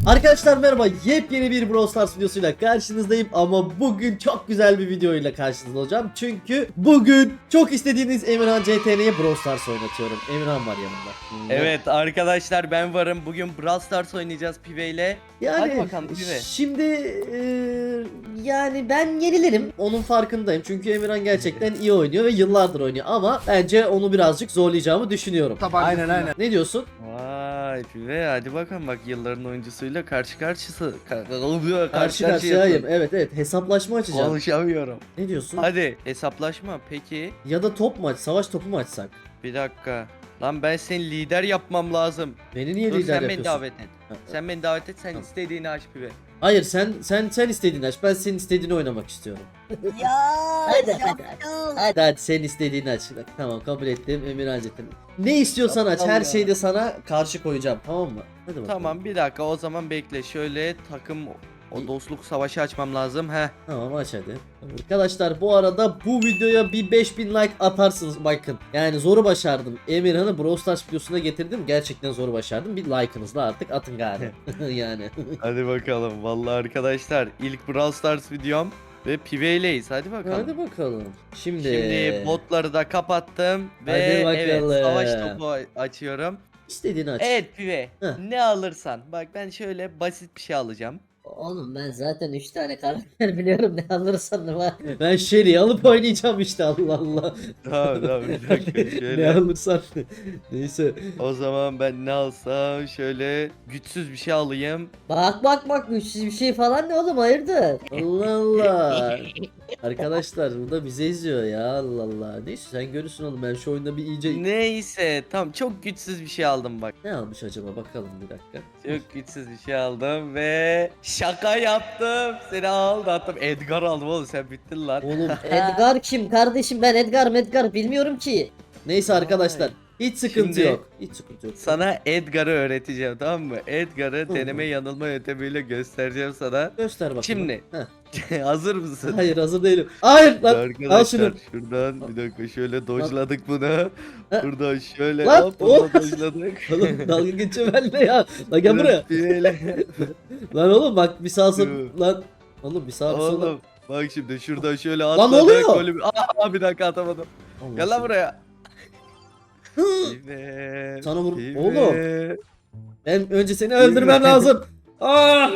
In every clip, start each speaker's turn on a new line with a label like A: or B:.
A: Arkadaşlar merhaba, yepyeni bir Brawl Stars videosuyla karşınızdayım ama bugün çok güzel bir videoyla karşınızda olacağım. Çünkü bugün çok istediğiniz Emirhan CTN'ye Brawl Stars oynatıyorum. Emirhan var yanımda.
B: Evet arkadaşlar ben varım. Bugün Brawl Stars oynayacağız Pive ile.
A: Yani
B: Hadi bakalım Pive.
A: şimdi yani ben yenilirim. Onun farkındayım. Çünkü Emirhan gerçekten iyi oynuyor ve yıllardır oynuyor ama bence onu birazcık zorlayacağımı düşünüyorum.
C: Aynen.
A: Ne diyorsun?
B: Vay Pive hadi bakalım bak yılların oyuncusuyla karşı karşıyayım.
A: Karşı karşıyayım. Evet, hesaplaşma açacağım.
B: Konuşamıyorum.
A: Ne diyorsun?
B: Hadi hesaplaşma peki.
A: Ya da top mu aç, savaş topu mu açsak?
B: Bir dakika. Lan ben seni lider yapmam lazım.
A: Beni niye
B: Dur
A: lider
B: sen beni
A: yapıyorsun?
B: davet et. Sen beni davet et sen
A: Tamam.
B: istediğini aç Pive.
A: Hayır sen istediğini aç. Ben senin istediğini oynamak istiyorum.
D: Ya
A: Hadi,
D: yaptım.
A: Hadi sen istediğini aç. Bak, tamam kabul ettim. Emirhan Cetin. Ne istiyorsan aç.
B: Aptal
A: Her
B: ya.
A: şeyde sana karşı koyacağım. Tamam mı? Hadi bakalım.
B: Tamam bir dakika o zaman bekle. Şöyle takım o dostluk savaşı açmam lazım. Heh.
A: Tamam aç hadi. Arkadaşlar bu arada bu videoya bir 5000 like atarsınız bakın. Yani zoru başardım. Emirhan'ı Brawl Stars videosuna getirdim. Gerçekten zoru başardım. Bir like'ınızla artık atın gari. Yani.
B: Hadi bakalım. Vallahi arkadaşlar ilk Brawl Stars videom ve Pive'leyiz. Hadi bakalım.
A: Hadi bakalım.
B: Şimdi botları da kapattım ve
A: Hadi
B: evet
A: bakalım.
B: savaş topu açıyorum.
A: İstediğini aç.
B: Evet Pive.
A: Heh.
B: Ne alırsan. Bak ben şöyle basit bir şey alacağım.
D: Oğlum ben zaten 3 tane karakter biliyorum, ne alırsan ne var.
A: Ben Shelly'i alıp oynayacağım işte, Allah Allah.
B: Tamam bir dakika
A: Ne
B: şöyle.
A: alırsan. Neyse.
B: O zaman ben ne alsam şöyle güçsüz bir şey alayım.
D: Bak güçsüz bir şey falan ne oğlum, hayırdır?
A: Allah Allah. Arkadaşlar burada bize izliyor ya, Allah Allah. Neyse sen görürsün oğlum, ben şu oyunda bir iyice...
B: Neyse tamam çok güçsüz bir şey aldım bak.
A: Ne almış acaba, bakalım bir dakika.
B: Çok güçsüz bir şey aldım ve şaka yaptım. Seni aldattım. Edgar aldım oğlum sen bittin lan.
A: Oğlum
D: Edgar kim kardeşim, ben Edgar bilmiyorum ki.
A: neyse arkadaşlar. Hiç sıkıntı
B: Şimdi-
A: yok. Hiç sıkıntı yok.
B: Sana Edgar'ı öğreteceğim tamam mı? Edgar'ı
A: Hı.
B: deneme yanılma yöntemiyle göstereceğim sana.
A: Göster bakalım.
B: Şimdi.
A: Heh.
B: Hazır mısın?
A: Hayır hazır değilim. Hayır lan.
B: Arkadaşlar
A: Al şunu.
B: şuradan bir dakika şöyle dojladık bunu.
A: Ha.
B: Buradan şöyle
A: Lan,
B: hop
A: oh.
B: bunu dojladık.
A: Oğlum dalga geçiyor benimle ya. Lan gel buraya.
B: Böyle.
A: Lan oğlum bak bir sağa sol.
B: Dur.
A: Lan. Oğlum bir sağa bir sola.
B: Oğlum bak şimdi şuradan şöyle
A: Lan
B: atladık.
A: ne oluyor?
B: Golü... Aa bir dakika atamadım.
A: Allah
B: Gel lan
A: seni.
B: buraya.
A: Hı.
B: Pive,
A: Sana vur.
B: pive.
A: Oğlum. Ben önce seni öldürmem lazım. Aa!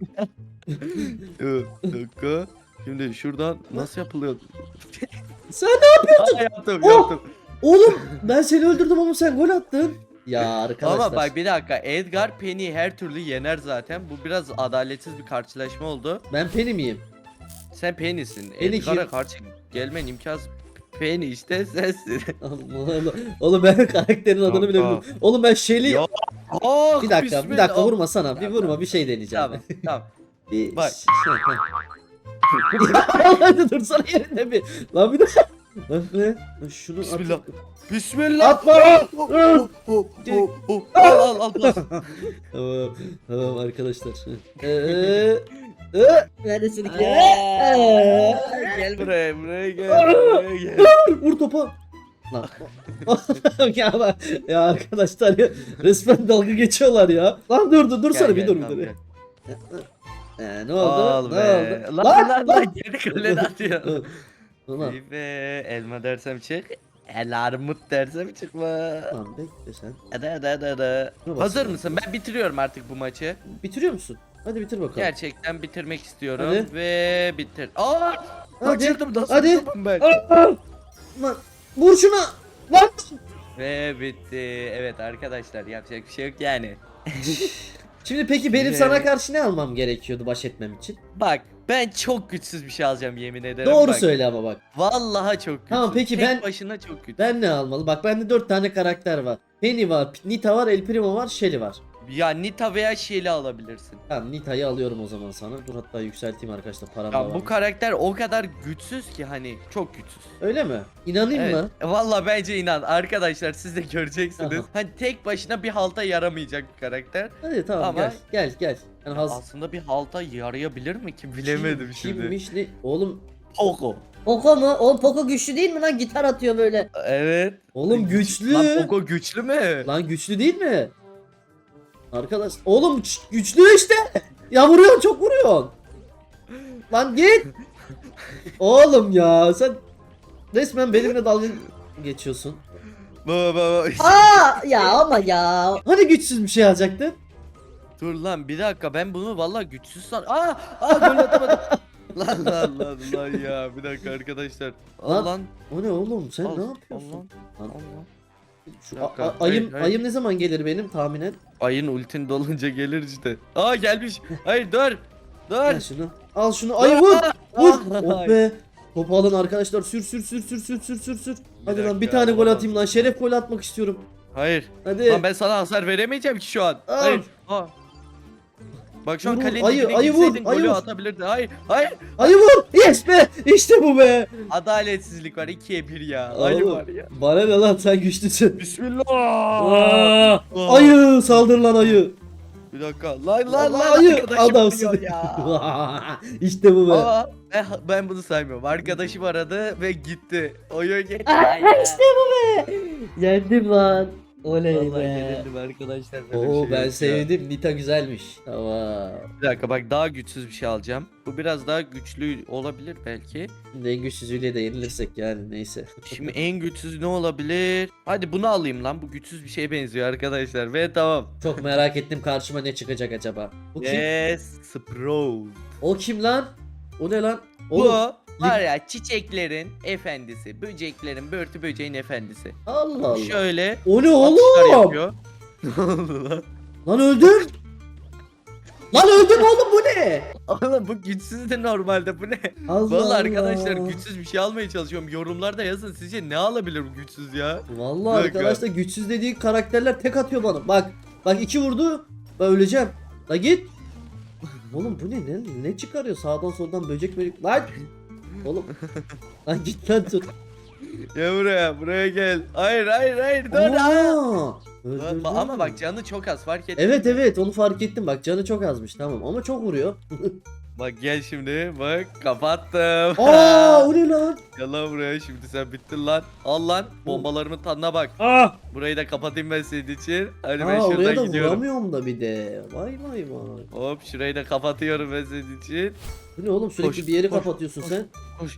B: Dur, bir dakika. Şimdi şuradan nasıl yapılıyor?
A: Sen ne?
B: Aa, yaptım
A: Oh!
B: yaptım.
A: Oğlum ben seni öldürdüm ama sen gol attın. Ya arkadaşlar.
B: Ama bak bir dakika Edgar Penny'i her türlü yener zaten. Bu biraz adaletsiz bir karşılaşma oldu.
A: Ben Penny miyim?
B: Sen Penny'sin.
A: Penny
B: Edgar'a
A: kim?
B: karşı gelmen imkansız. Penny işte sensin.
A: Allah Allah. Oğlum ben karakterin adını bile
B: Kanka.
A: bilmiyorum. Oğlum ben Shelly.
B: Ya. Oh,
A: Bir dakika, bir dakika vurma sana. Bir
B: Tamam,
A: vurma,
B: tamam.
A: bir şey deneyeceğim.
B: Tamam tamam.
A: Bir
B: Bak.
A: Hadi dursana yerinde bir. Lan bir de. Lan ne? Lan şunu at.
B: Bismillah. Bismillah.
A: Atma!
B: Al bas.
A: Tamam arkadaşlar.
D: Neredesin ki?
B: Gel buraya gel.
A: Vur topa. Lan. ya arkadaşlar ya, resmen dalga geçiyorlar ya. Lan dursana
B: Gel,
A: bir
B: gel,
A: dur bir
B: tamam,
A: dur.
B: gel.
A: Ne oldu?
B: Al
A: Ne
B: be.
A: oldu?
B: Lan geri kalene atıyor.
A: Ulan.
B: Ve elma dersem çık. El armut dersem çıkma.
A: Lan bekle sen.
B: Hadi.
A: Şuna bak
B: Hazır
A: sen.
B: mısın? Ben bitiriyorum artık bu maçı.
A: Bitiriyor musun? Hadi bitir bakalım.
B: Gerçekten bitirmek istiyorum
A: Hadi.
B: ve bitir. Aa!
A: Hadi.
B: Kaçırdım nasıl
A: Hadi.
B: tuttum ben?
A: Lan vur şuna. Lan.
B: Ve bitti. Evet arkadaşlar yapacak bir şey yok yani.
A: Şimdi peki benim
B: Şimdi-
A: sana karşı ne almam gerekiyordu baş etmem için?
B: Bak ben çok güçsüz bir şey alacağım yemin ederim.
A: Doğru
B: bak.
A: söyle ama bak.
B: Vallahi çok güçsüz.
A: Tamam, peki
B: Tek
A: ben-
B: başına çok güçsüz.
A: Ben ne almalı? Bak bende 4 tane karakter var. Penny var, Nita var, El Primo var, Shelly var.
B: Ya Nita veya Shelly alabilirsin.
A: Tamam Nita'yı alıyorum o zaman sana. Dur hatta yükselteyim arkadaşlar, param da
B: Ya
A: var.
B: bu karakter o kadar güçsüz ki hani çok güçsüz.
A: Öyle mi? İnanayım
B: Evet.
A: mı?
B: Vallahi bence inan arkadaşlar siz de göreceksiniz.
A: Aha.
B: Hani tek başına bir halta yaramayacak bir karakter.
A: Hadi tamam
B: Ama-
A: gel. Yani
B: Aslında bir halta yarayabilir mi ki bilemedim şimdi.
A: Kimmiş ne? Oğlum
B: Poco.
D: Poco mu? Oğlum Poco güçlü değil mi lan? Gitar atıyor böyle.
B: Evet.
A: oğlum güçlü.
B: Lan Poco güçlü mü?
A: Lan güçlü değil mi? Arkadaş oğlum güçlü işte. Ya vuruyorsun çok vuruyorsun. Lan git. Oğlum ya sen resmen benimle dalga geçiyorsun.
B: Baba.
D: Aa ya ama ya.
A: Hani güçsüz bir şey alacaktın?
B: Dur lan bir dakika ben bunu vallahi güçsüz gol atamadım. lan ya bir dakika arkadaşlar.
A: Lan,
B: Al lan.
A: O ne oğlum sen
B: Al,
A: ne yapıyorsun?
B: al
A: Lan,
B: lan.
A: Şu
B: Bir dakika,
A: ayım
B: hayır.
A: ayım ne zaman gelir benim tahminen?
B: Ayın ultin dolunca gelir işte. Aa gelmiş. Hayır dur.
A: Al
B: Dur.
A: şunu. Al şunu. Ayı vur. Vur.
B: Ay.
A: Oh be. Topu alın arkadaşlar. Sür. Hadi lan bir
B: dakika,
A: tane gol
B: olamaz.
A: atayım lan. Şeref gol atmak istiyorum.
B: Hayır.
A: Hadi.
B: Lan ben sana hasar veremeyeceğim ki şu an.
A: Al.
B: Hayır. Aa. Bak şu an
A: Vur,
B: kalenin
A: ayı,
B: dibine
A: ayı vur,
B: girseydin
A: ayı
B: golü
A: vur.
B: atabilirdin. Hayır.
A: Ayı vur. Yes be. İşte bu be.
B: Adaletsizlik var 2'ye 1 ya. Ayı
A: Oğlum,
B: var ya.
A: bana ne lan sen güçlüsün.
B: Bismillah.
A: Aa, ayı saldır lan ayı.
B: Bir dakika. Lan
A: ayı
B: arkadaşım
A: adamsın.
B: arıyor ya.
A: İşte bu be.
B: Ama ben bunu saymıyorum. Arkadaşım aradı ve gitti. Oyun gitti.
D: İşte bu be. Yendim lan. Oley
B: Vallahi
D: be.
B: yenildim arkadaşlar. böyle bir
A: Oo
B: şey
A: ben
B: yok ya.
A: sevdim. Nita güzelmiş. Tamam.
B: Bir dakika bak daha güçsüz bir şey alacağım. Bu biraz daha güçlü olabilir belki.
A: Şimdi en güçsüzüyle de yenilirsek yani neyse.
B: Şimdi en güçsüz ne olabilir? Hadi bunu alayım lan. Bu güçsüz bir şeye benziyor arkadaşlar. Ve tamam.
A: Çok merak ettim karşıma ne çıkacak acaba. Bu kim?
B: Yes, Sprout.
A: O kim lan? O ne lan?
B: Bu
A: Oğlum,
B: var ya çiçeklerin efendisi. Böceklerin, börtü böceğin efendisi.
A: Allah Allah.
B: Şöyle
A: O ne
B: atışlar
A: oğlum?
B: yapıyor. Ne oldu lan?
A: Lan öldüm. Lan öldüm oğlum bu ne?
B: Oğlum bu güçsüz de normalde bu ne?
A: Allah
B: Vallahi
A: Allah.
B: arkadaşlar güçsüz bir şey almaya çalışıyorum. Yorumlarda yazın sizce ne alabilir bu güçsüz ya?
A: Vallahi
B: Bir dakika.
A: arkadaşlar güçsüz dediği karakterler tek atıyor bana. Bak iki vurdu. Ben öleceğim. La git. Oğlum bu ne çıkarıyor sağdan soldan böcek. Lan. Oğlum. Lan git lan tut.
B: Ya buraya gel. Hayır dur.
A: Aa, öldürdü.
B: Ama bak canı çok az fark et.
A: Evet onu fark ettim bak canı çok azmış tamam ama çok vuruyor.
B: Bak gel şimdi bak kapattım.
A: Aa o ne lan?
B: Gel lan buraya şimdi sen bittin lan. Al lan bombalarımın tadına bak.
A: Aa,
B: Burayı da kapatayım ben senin için. Hadi ben
A: oraya
B: şuradan
A: da
B: gidiyorum.
A: vuramıyorum da bir de. Vay.
B: Hop şurayı da kapatıyorum ben senin için.
A: Bu ne oğlum sürekli
B: Koş,
A: bir yeri
B: koş,
A: kapatıyorsun
B: koş.
A: sen.
B: Koş.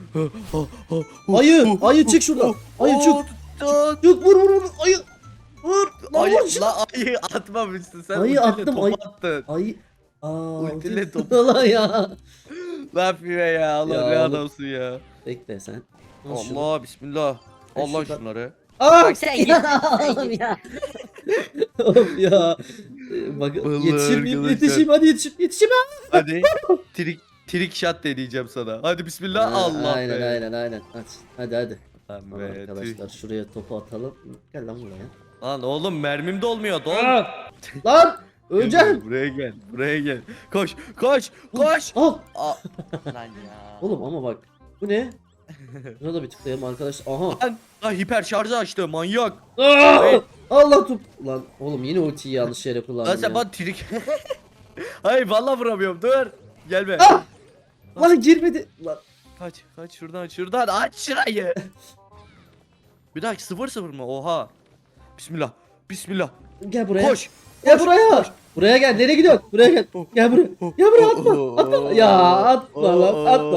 A: Ayı çık şuradan. Ayı çık. Çık vur ayı. Vur. Lan
B: Ayı,
A: vur şunu.
B: ayı atmamışsın sen.
A: Ayı
B: ultiyle
A: attım,
B: topu
A: ayı-
B: attın.
A: Ayı. Aa.
B: Ultiyle
A: ulti-
B: topu.
A: Lan ya.
B: Ne yapıyor ya Allah
A: Ya
B: ne
A: oğlum.
B: adamsın ya.
A: Bekle sen. Al şunu.
B: Allah bismillah.
A: Ben
B: Allah
A: şuradan-
B: şunları.
A: Aa.
D: Bak sen git. Oğlum ya.
A: Oğlum ya. Bak
B: Vallahi
A: yetişeyim
B: arkadaşlar.
A: hadi yetişeyim.
B: Hadi trick shot deneyeceğim sana. Hadi bismillah Allah
A: Aynen
B: be.
A: aynen. Hadi.
B: Lan
A: Tamam
B: be,
A: arkadaşlar şuraya topu atalım. Gel lan buraya.
B: Lan oğlum mermim dolmuyor dol.
A: Lan öleceğim.
B: Buraya gel. Koş.
A: Al.
B: Aa, lan ya.
A: Oğlum ama bak. Bu ne? Buna da bir tıklayalım arkadaşlar. Aha.
B: Lan hiper şarjı açtı manyak.
A: Allah tut. Lan oğlum yine ultiyi yanlış yere
B: Lan
A: kullandım
B: sen
A: ya.
B: bana trick. Hayır vallahi vuramıyorum dur. Gelme.
A: Ah! Lan girmedi. Lan.
B: Kaç şuradan aç şurayı. Bir dakika 0-0 mı? Oha. Bismillah.
A: Gel buraya.
B: Koş.
A: Gel buraya. Buraya gel. Nereye gidiyorsun? Buraya gel. Gel buraya. Gel buraya atma. Ya atma lan atma.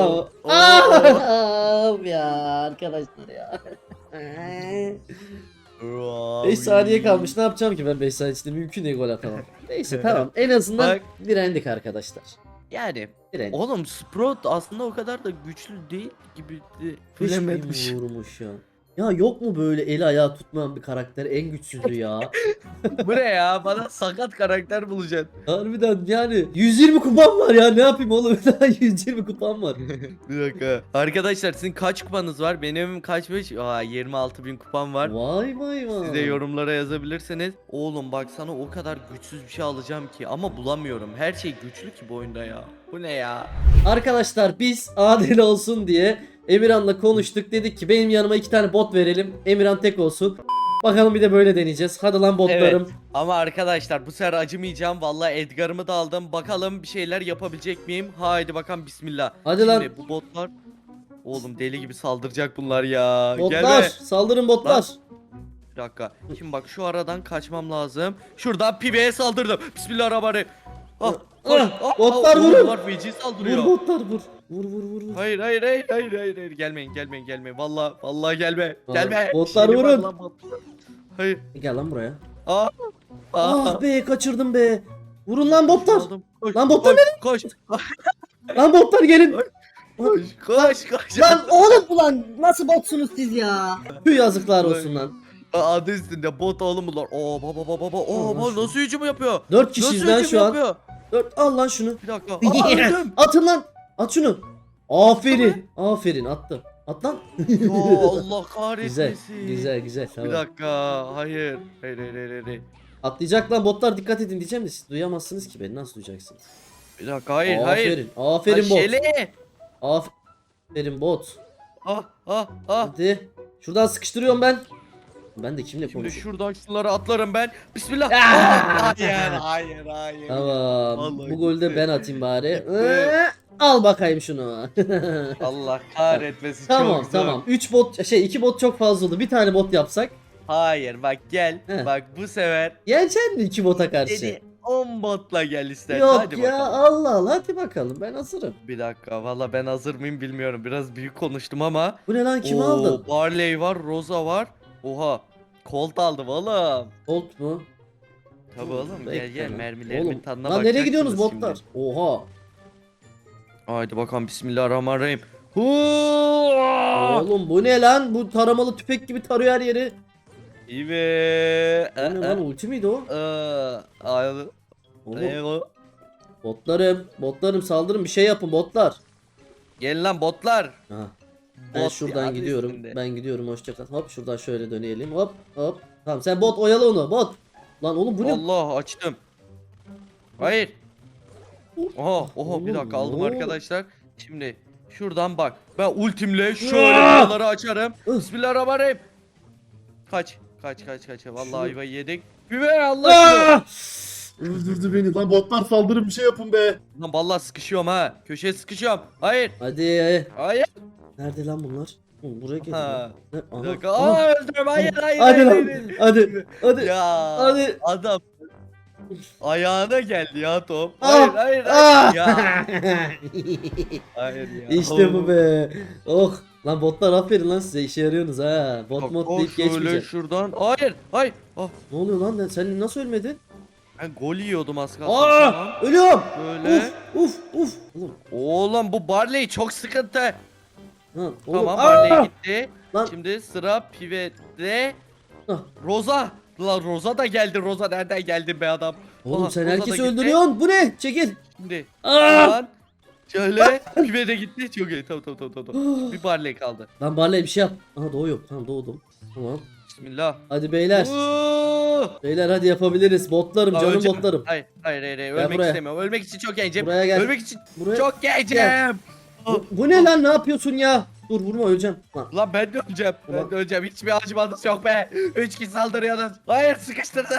D: Of ya arkadaşlar ya.
A: 5 saniye kalmış. Ne yapacağım ki ben 5 saniye içinde mümkün değil gol atamam. Neyse tamam. En azından
B: Bak.
A: direndik arkadaşlar.
B: Yani
A: Direndik.
B: oğlum Sprout aslında o kadar da güçlü değil gibi bilemedim.
A: Hiç mi vurmuş ya? Ya yok mu böyle eli ayağı tutmayan bir karakter en güçsüzü ya?
B: Bu ne ya? Bana sakat karakter bulacaksın.
A: Harbiden yani 120 kupam var ya ne yapayım oğlum daha 120 kupam var.
B: Bir dakika. Arkadaşlar sizin kaç kupanız var? Benim kaçmış? 26.000 kupam var.
A: Vay.
B: Siz de yorumlara yazabilirsiniz. Oğlum bak sana o kadar güçsüz bir şey alacağım ki ama bulamıyorum. Her şey güçlü ki bu oyunda ya. Bu ne ya?
A: Arkadaşlar biz adil olsun diye Emirhan'la konuştuk. Dedik ki benim yanıma 2 tane bot verelim. Emirhan tek olsun. Bakalım bir de böyle deneyeceğiz. Hadi lan botlarım.
B: Ama arkadaşlar bu sefer acımayacağım. Vallahi Edgar'ımı da aldım. Bakalım bir şeyler yapabilecek miyim? Haydi bakalım bismillah.
A: Hadi
B: Şimdi
A: lan.
B: bu botlar oğlum deli gibi saldıracak bunlar ya.
A: Botlar
B: Gelme.
A: saldırın botlar.
B: Bir dakika. Şimdi bak şu aradan kaçmam lazım. Şuradan pibeye saldırdım. Bismillahirrahmanirrahim. Ah, koş.
A: Botlar vurun.
B: Botlar feci saldırıyor.
A: Vur botlar vur. Vur.
B: Hayır. Gelmeyin. Vallahi gelme.
A: Aa,
B: Gelme.
A: botlar
B: Şeyim var
A: vurun.
B: lan, botlar. Hayır.
A: Gel lan buraya.
B: Aa.
A: Ah be kaçırdım be. Vurun lan botlar.
B: Aldım. Koş,
A: Lan botlar
B: koş.
A: Lan botlar gelin.
B: Koş.
A: Lan
D: Oğlum ulan nasıl botsunuz siz ya?
A: Tüh yazıklar olsun lan.
B: Adı üstünde bot oğlum bunlar. Oo baba. Oo nasıl hücum yapıyor?
A: 4 kişiyiz
B: Nasıl
A: lan
B: hücum
A: şu an.
B: yapıyor?
A: 4 al lan şunu.
B: Bir dakika. Aa, öldüm.
A: Atın lan. At şunu. Aferin attım. At lan.
B: Ya Allah
A: Güzel
B: kahretmesin.
A: güzel.
B: Bir
A: Tamam.
B: dakika. Hayır.
A: Atlayacak lan botlar dikkat edin diyeceğim de siz duyamazsınız ki beni nasıl duyacaksınız?
B: Bir dakika. Hayır.
A: Aferin bot.
B: Şele.
A: Aferin bot.
B: Ah.
A: Hadi. Şuradan sıkıştırıyorum ben. Ben de kimle
B: Şimdi
A: konuşuyorum?
B: şuradan şunları atlarım ben. Bismillah.
A: Ah!
B: Hayır.
A: Tamam.
B: Vallahi
A: Bu golü de
B: gitti.
A: ben atayım bari.
B: Gitti.
A: Al bakayım şunu.
B: Allah kahretmesin.
A: Tamam
B: çok zor.
A: tamam. 2 bot çok fazla oldu. Bir tane bot yapsak.
B: Hayır bak gel.
A: He.
B: Bak bu sefer
A: Yenecek mi 2 bota karşı?
B: dedi 10 botla gel istersen.
A: Yok
B: Hadi
A: ya
B: bakalım.
A: Allah hadi bakalım ben hazırım.
B: Bir dakika valla ben hazır mıyım bilmiyorum. Biraz büyük konuştum ama.
A: Bu ne lan kimi
B: Oo,
A: aldın?
B: Barley var, Rosa var. Oha. Colt aldım oğlum.
A: Bolt mu?
B: Tabii oğlum
A: Bekle
B: gel
A: lan.
B: mermilerimin
A: Oğlum,
B: tadına
A: lan nereye
B: bakacaksınız
A: gidiyorsunuz
B: şimdi.
A: botlar? Oha.
B: Haydi bakalım bismillahirrahmanirrahim. Huuuuh!
A: Oğlum bu ne lan? Bu taramalı tüfek gibi tarıyor her yeri.
B: İyi.
A: Bu ne lan ulti miydi o?
B: Oğlum.
A: Oğlum, botlarım saldırın bir şey yapın botlar.
B: Gelin lan botlar.
A: Aha. Ben
B: Bot
A: şuradan
B: ya,
A: gidiyorum.
B: üstünde.
A: Ben gidiyorum hoşça kal. Hop şuradan şöyle dönelim. Hop. Tamam sen bot oyala onu bot. Lan oğlum bu ne?
B: Allah açtım. Hayır. Oha
A: Oğlum,
B: bir dakika aldım
A: ne
B: arkadaşlar. Şimdi şuradan bak. Ben ultimle şöyle
A: Aa!
B: buraları açarım.
A: Ih.
B: Bismillahirrahmanirrahim. Kaç. Vallahi
A: Şunu-
B: ayvayı yedik. Biber Allah aşkına.
A: Aa!
C: Öldürdü beni lan botlar saldırın bir şey yapın be.
B: Lan vallahi sıkışıyorum ha. Köşeye sıkışıyorum. Hayır.
A: Hadi.
B: Hayır.
A: Nerede lan bunlar? Oğlum buraya gelin.
B: Ha.
A: Ne?
B: Bir
A: Aha,
B: dakika.
A: aha.
B: Öldüm. Hayır.
A: Hadi lan. Hadi.
B: Ya.
A: Hadi.
B: Adam. Ayağına geldi ya top.
A: Ah!
B: Hayır.
A: Ah!
B: Ya. Hayır ya.
A: İşte bu be. Oh. Lan botlar aferin lan size işe yarıyorsunuz ha. Bot
B: Bak,
A: mod
B: o
A: deyip
B: şöyle
A: geçmeyeceksin.
B: şuradan. Hayır. Ah,
A: Ne oluyor lan? Sen nasıl ölmedin?
B: ben gol yiyordum az kalsın. Tamam.
A: Ölüyorum.
B: Böyle.
A: Uf. Oğlum.
B: Oğlum bu Barley çok sıkıntı.
A: Lan, oğlum.
B: Tamam Barley gitti.
A: Lan.
B: Şimdi sıra Pivet'te.
A: Ah.
B: Rosa. Lan Rosa da geldi. Rosa nereden geldin be adam?
A: Oğlum
B: Aha,
A: sen
B: Rosa da
A: herkesi
B: gitti.
A: öldürüyorsun. Bu ne? Çekil.
B: Şimdi.
A: Aa!
B: Lan. Şöyle. Pivet'e gitti. Çok iyi. Tamam. Bir Barley kaldı.
A: Lan Barley bir şey yap. Aha doğuyor. Tamam doğdum. Tamam.
B: Bismillah.
A: Hadi beyler.
B: Oo!
A: Beyler hadi yapabiliriz. Botlarım
B: Aa,
A: canım
B: öleceğim.
A: botlarım.
B: Hayır.
A: Gel
B: Ölmek
A: buraya.
B: istemiyorum. Ölmek için çok gencim.
A: Buraya gel.
B: Ölmek için
A: Buraya.
B: çok gencim.
A: Gel. Bu ne lan ne yapıyorsun ya? Dur vurma öleceğim. Lan.
B: Lan ben de öleceğim.
A: Ulan.
B: Hiçbir acımanız yok be. 3 kişi saldırıyorsunuz. Hayır sıkıştırdı.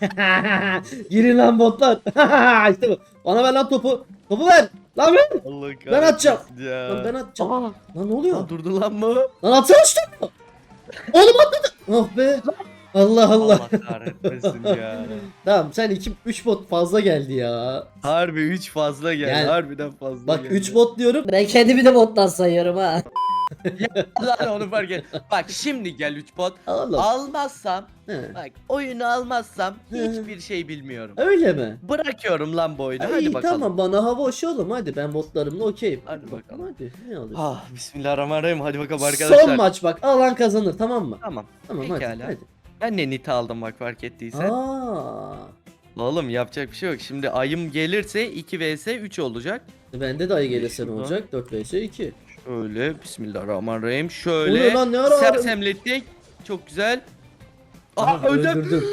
A: Girin lan botlar. İşte bu. Bana ver lan topu. Topu ver. Lan ver.
B: Allah
A: Ben atacağım.
B: kahretsin ya.
A: Lan ben atacağım.
B: Aa,
A: Lan ne oluyor?
B: lan durdu lan mı?
A: Lan atsana şu topu. Oğlum atladı. Oh be. Allah Allah.
B: Allah kahretmesin ya.
A: Tamam sen 3 bot fazla geldi ya.
B: Harbi 3 fazla geldi.
A: Yani-
B: Harbiden fazla
A: Bak
B: geldi.
A: 3 bot diyorum.
D: Ben kendimi de bottan sayıyorum ha.
B: Lan onu fark et. Bak şimdi gel 3 bot.
A: Allah.
B: Almazsam
A: He.
B: bak oyunu almazsam
A: He.
B: hiçbir şey bilmiyorum.
A: Öyle mi?
B: Bırakıyorum lan bu oyunu.
A: İyi
B: Hadi bakalım.
A: tamam bana hava hoş oğlum hadi ben botlarımla okeyim.
B: Hadi bakalım.
A: Hadi ne olur.
B: Ah bismillahirrahmanirrahim. Hadi bakalım arkadaşlar.
A: Son maç bak alan kazanır tamam mı?
B: Tamam.
A: Tamam
B: Pekala.
A: hadi.
B: Ben de nit aldım bak fark ettiysen.
A: Aa.
B: Oğlum yapacak bir şey yok. Şimdi ayım gelirse 2 vs 3 olacak.
A: Bende de ayı gelirse ne
B: Şuradan.
A: olacak? 4 vs 2.
B: Şöyle bismillahirrahmanirrahim.
A: Oluyor
B: Şöyle
A: lan, ne ara
B: sersemlettik. Çok güzel. Aha öldüm.
A: Öldürdüm.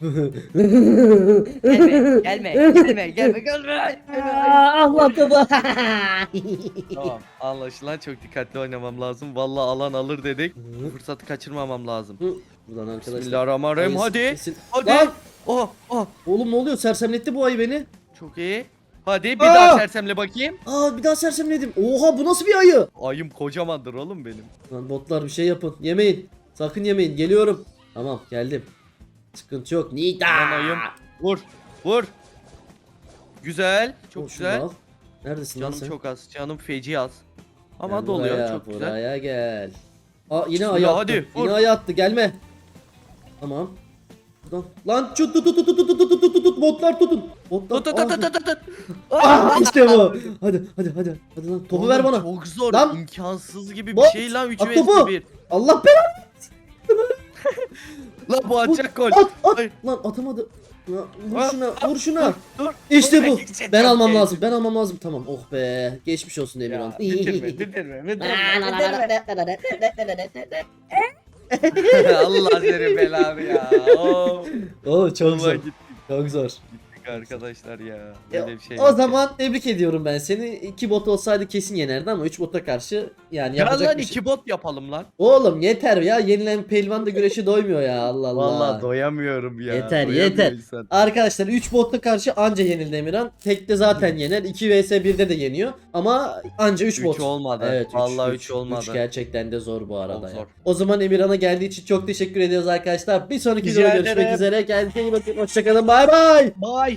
B: Gelme.
D: Allah topu.
B: Tamam anlaşılan çok dikkatli oynamam lazım. Vallahi alan alır dedik. Fırsatı kaçırmamam lazım.
A: Buradan arkadaşlar.
B: Bismillahirrahmanirrahim.
A: Ayı
B: Hadi.
A: kesin-
B: Hadi.
A: Lan!
B: Oh.
A: Oğlum ne oluyor? Sersemletti bu ayı beni.
B: Çok iyi. Hadi bir
A: Aa!
B: daha sersemle bakayım.
A: Aa bir daha sersemledim. Oha bu nasıl bir ayı?
B: Ayım kocamandır oğlum benim.
A: Lan botlar bir şey yapın. Yemeyin. Sakın yemeyin. Geliyorum. Tamam geldim. Sıkıntı yok. Nida.
B: Yanayım. Vur. Vur. Güzel. Çok
A: Şunu
B: güzel.
A: al. Neredesin lan
B: Canım
A: sen?
B: çok az. Canım feci az. Ama
A: Gel
B: doluyor.
A: buraya,
B: Çok güzel.
A: buraya gel. Aa yine
B: Bismillah,
A: ayağı attı.
B: hadi, vur.
A: Yine ayağı attı. Gelme. Tamam. Buradan. Lan tut tut tut tut tut tut tut tut botlar tutun. Botlar.
B: Tut tut tut tut tut.
A: Ah, işte bu. Hadi. Hadi lan topu ver
B: Oğlum,
A: bana.
B: Çok zor.
A: Lan.
B: İmkansız gibi bir
A: Bot,
B: şey lan 3
A: at
B: vs
A: topu.
B: 1.
A: Allah belanı.
B: Lan bu atacak gol.
A: At.
B: Hayır.
A: Lan atamadı. Lan, vur
B: Ah,
A: şuna. Vur şuna.
B: Dur.
A: İşte
B: Dur,
A: bu.
B: gidecek,
A: Ben
B: çok
A: almam
B: iyi.
A: lazım. Ben almam lazım. Tamam. Oh be. Geçmiş olsun Emirhan.
B: Ya, bitirme. Allah seni belanı ya. Oo.
A: Oo çok
B: Vallahi
A: zor.
B: gittik
A: Çok zor.
B: arkadaşlar ya.
A: Ya,
B: Böyle bir şey
A: o
B: yok
A: zaman tebrik ediyorum ben seni. 2 bot olsaydı kesin yenerdi ama 3 bota karşı yani
B: ya.
A: yapacak
B: lan
A: bir şey.
B: 2 bot yapalım lan.
A: Oğlum yeter ya. Yenilen pehlivan da güreşe doymuyor ya. Allah Allah.
B: Vallahi doyamıyorum ya.
A: Yeter,
B: Doyamıyor
A: yeter.
B: insan.
A: Arkadaşlar 3 botla karşı anca yenildi Emirhan. Tekte zaten yener. 2 vs 1'de de yeniyor. Ama anca 3
B: Üç
A: bot.
B: olmadı.
A: Evet,
B: Vallahi üç olmadı.
A: 3 gerçekten de zor bu arada
B: Çok
A: ya.
B: zor.
A: O zaman Emirhan'a geldiği için çok teşekkür ediyoruz arkadaşlar. Bir sonraki
B: Rica
A: videoda görüşmek
B: ederim.
A: üzere. Kendinize iyi bakın. Hoşçakalın. Bay bay.
B: Bye.